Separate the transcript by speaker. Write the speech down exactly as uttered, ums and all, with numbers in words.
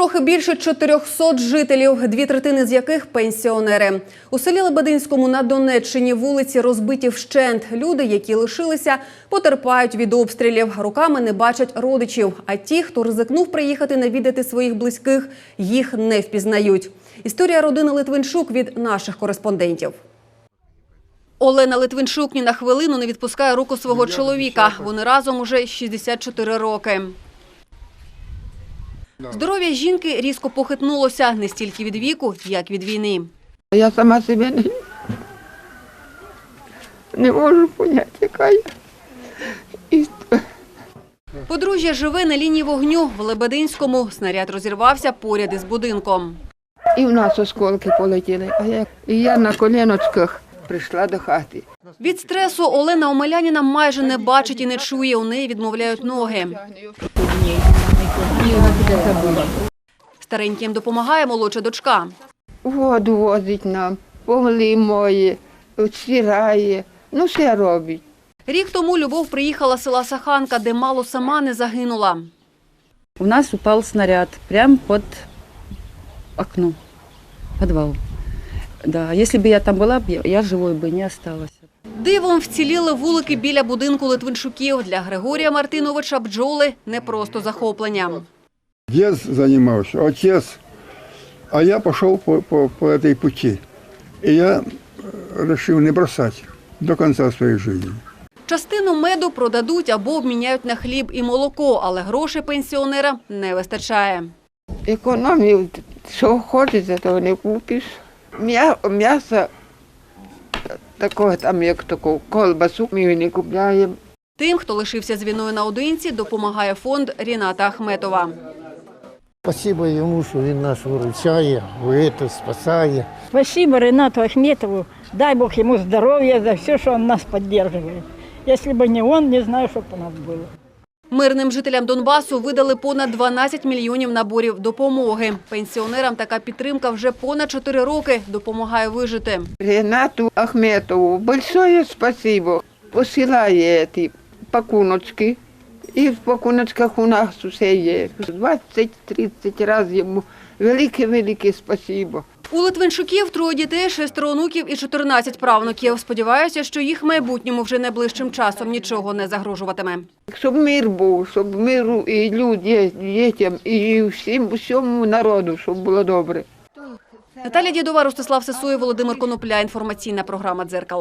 Speaker 1: Трохи більше чотирьохсот жителів, дві третини з яких – пенсіонери. У селі Лебединському на Донеччині вулиці розбиті вщент. Люди, які лишилися, потерпають від обстрілів. Руками не бачать родичів. А ті, хто ризикнув приїхати навідати своїх близьких, їх не впізнають. Історія родини Литвинчук від наших кореспондентів. Олена Литвинчук ні на хвилину не відпускає руку свого чоловіка. Вони разом уже шістдесят чотири роки. Здоров'я жінки різко похитнулося не стільки від віку, як від війни.
Speaker 2: Я сама себе не, не можу поняти, яка я. І...
Speaker 1: Подружжя живе на лінії вогню в Лебединському. Снаряд розірвався поряд із будинком.
Speaker 2: І в нас осколки полетіли, а я, і я на коліночках прийшла до хати.
Speaker 1: Від стресу Олена Омеляніна майже не бачить і не чує, у неї відмовляють ноги. Стареньким допомагає молодша дочка.
Speaker 2: Воду возить нам, поли мої, стирає, ну все робить.
Speaker 1: Рік тому Любов приїхала з села Саханка, де мало сама не загинула.
Speaker 3: У нас упал снаряд прямо под окно, подвал. Да, если бы я там была, я живой бы не осталась.
Speaker 1: Дивом вціліли вулики біля будинку Литвинчуків. Для Григорія Мартиновича бджоли – не просто захоплення.
Speaker 4: Дед занимался, отец, а я пошел по, по, по этой пути. И я решил не бросать до конца своей жизни.
Speaker 1: Частину меду продадуть або обміняють на хліб і молоко, але грошей пенсіонера не вистачає.
Speaker 2: Економію, що хочеться, того не купиш. М'ясо такого там, як таку колбасу, ми не купляємо.
Speaker 1: Тим, хто лишився з війною наодинці, допомагає фонд Ріната Ахметова.
Speaker 5: Спасибо йому, що він нас виручає, спасає.
Speaker 6: Спасибо Ренату Ахметову. Дай Бог ему здоровья за все, что он нас поддерживает. Если бы не он, не знаю, что бы у нас было.
Speaker 1: Мирним жителям Донбасу видали понад дванадцять мільйонів наборів допомоги. Пенсіонерам така підтримка вже понад чотири роки допомагає вижити.
Speaker 2: Ренату Ахметову большое спасибо. Посилає ці пакуночки. І в пакуночках у нас усе є. двадцять-тридцять разів йому велике-велике спасибо.
Speaker 1: У Литвинчуків троє дітей, шестеро онуків і чотирнадцять правнуків. Сподіваюся, що їх майбутньому вже найближчим часом нічого не загрожуватиме.
Speaker 2: Щоб мир був, щоб миру і людям, дітям, і всім, всьому народу, щоб було добре.
Speaker 1: Наталя Дєдова, Ростислав Сисоєв, Володимир Конопля. Інформаційна програма «Дзеркало».